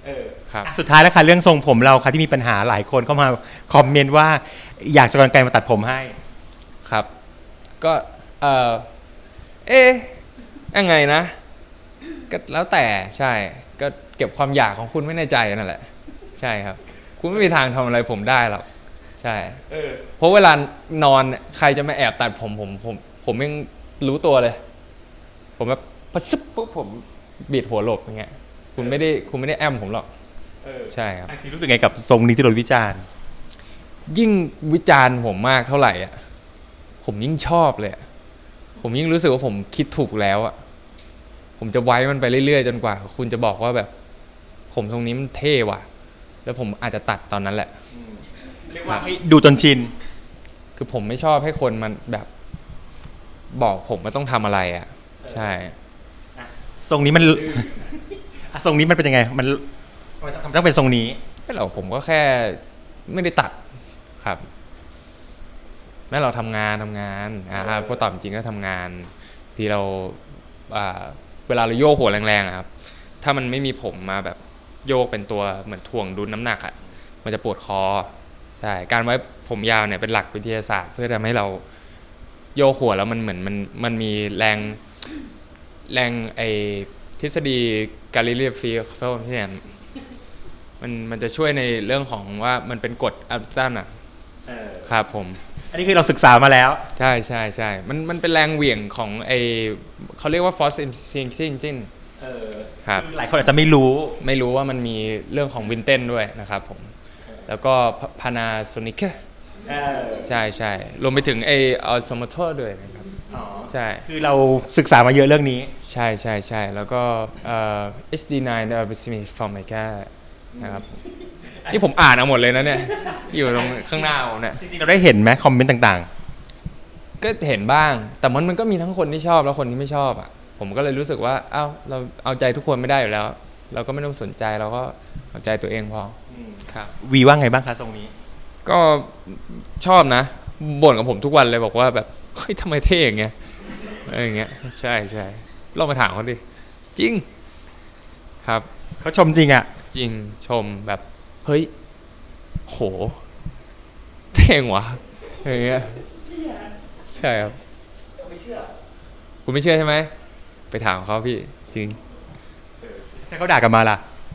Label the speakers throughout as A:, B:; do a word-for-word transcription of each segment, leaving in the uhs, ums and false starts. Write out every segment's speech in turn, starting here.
A: ครับ
B: สุดท้ายแล้วค่ะเรื่องทรงผมเราค่ะที่มีปัญหาหลายคนเข้ามาคอมเมนต์ว่าอยากจะกรรไกรมาตัดผมให้
A: ครับก็เออเอ๊ะยังไงนะก็แล้วแต่ใช่ก็เก็บความอยากของคุณไว้ในใจนั่นแหละใช่ครับคุณไม่มีทางทำอะไรผมได้หรอกใช่เพราะเวลานอนใครจะมาแอบตัดผมผมผมผมยังรู้ตัวเลยผมแบบพะซึบปุ๊บผมบีดหัวหลบอย่างเงี้ยคุณไม่ได้คุณไม่ได้แอมผมหรอกใช่ครับ
B: ที่รู้สึกไงกับทรงนี้ที่โดนวิจารณ์
A: ยิ่งวิจารณ์ผมมากเท่าไหร่อ่ะผมยิ่งชอบเลยผมยิ่งรู้สึกว่าผมคิดถูกแล้วอ่ะผมจะไว้มันไปเรื่อยๆจนกว่าคุณจะบอกว่าแบบผมทรงนี้มันเท่ว่ะแล้วผมอาจจะตัดตอนนั้นแหละ
B: เรียกว่าให้ดูจนชิน
A: คือผมไม่ชอบให้คนมันแบบบอกผมว่าต้องทำอะไรอ่ะใช่
B: ทรงนี้มันทรงนี้มันเป็นยังไงมันทำต้องเป็นทรงนี้
A: ไม่หรอกผมก็แค่ไม่ได้ตัดครับแม้เราทำงานทำงานอ่าพอตอบจริงก็ทำงานที่เราเวลาเราโยกหัวแรงๆครับถ้ามันไม่มีผมมาแบบโยกเป็นตัวเหมือนถ่วงดุลน้ำหนักอ่ะมันจะปวดคอใช่การไว้ผมยาวเนี่ยเป็นหลักวิทยาศาสตร์เพื่อทำให้เราโยกหัวแล้วมันเหมือนมันมันมีแรงแรงไอทฤษฎีกาลิเลฟีเฟลที่เนี่ยมันมันจะช่วยในเรื่องของว่ามันเป็นกฎอัลตันอ่ะครับผม
B: อันนี้คือเราศึกษามาแล้ว
A: ใช่ใช่ใช่มันมันเป็นแรงเหวี่ยงของไอเขาเรียกว่า force engine ครับ
B: หลายคนอาจจะไม่รู้
A: ไม่รู้ว่ามันมีเรื่องของวินเทนด้วยนะครับผมแล้วก็พานาโซนิกใช่ใช่รวมไปถึงไอออสโมโตด้วยนะครับใช่
B: คือเราศึกษามาเยอะเรื่องนี้
A: ใช่ใช่ใช่แล้วก็เอ่อ เอช ดี ไนน์ Aerosmith Formica นะครับที่ผมอ่านเอาหมดเลยนะเนี่ยอยู่ตรงข้างหน้าผมเนี่ย
B: จริงๆเราได้เห็นไหมคอมเมนต์ต่าง
A: ๆก็เห็นบ้างแต่มันมันก็มีทั้งคนที่ชอบแล้วคนที่ไม่ชอบอ่ะผมก็เลยรู้สึกว่าเอ้าเราเอาใจทุกคนไม่ได้อยู่แล้วเราก็ไม่ต้องสนใจเราก็เอาใจตัวเองพอครับ
B: วีว่าไงบ้างคะทรงนี้
A: ก็ชอบนะบ่นกับผมทุกวันเลยบอกว่าแบบเฮ้ยทำไมเท่อย่างเงี้ยอะไรอย่างเงี้ยใช่ใช่ลองมาถามเขาดิจริงครับ
B: เขาชมจริงอ่ะ
A: จริงชมแบบเฮ้ยโหเท่งวะอย่างเงี้ยใช่ครับไม่เชื่อคุณไม่เชื่อใช่ไหมไปถามเขาพี่จริง
B: ถ้าเขาด่ากันมาล่ะ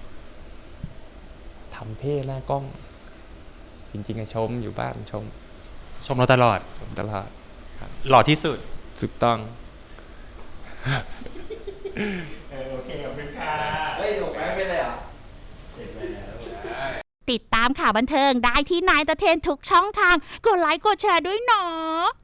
A: ทำเท่หน้ากล้องจริงๆอะชมอยู่บ้านชม
B: ชมเราตลอด
A: ชมตลอด
B: หล่อที่สุด
A: ถูกต้อง
B: โอเคขอบคุณค่ะ
A: เฮ้ยผมไม่เป็นเลยเหรอ
C: ติดตามข่าวบันเทิงได้ที่นายตะเทนทุกช่องทางกดไลค์กดแชร์ด้วยเนาะ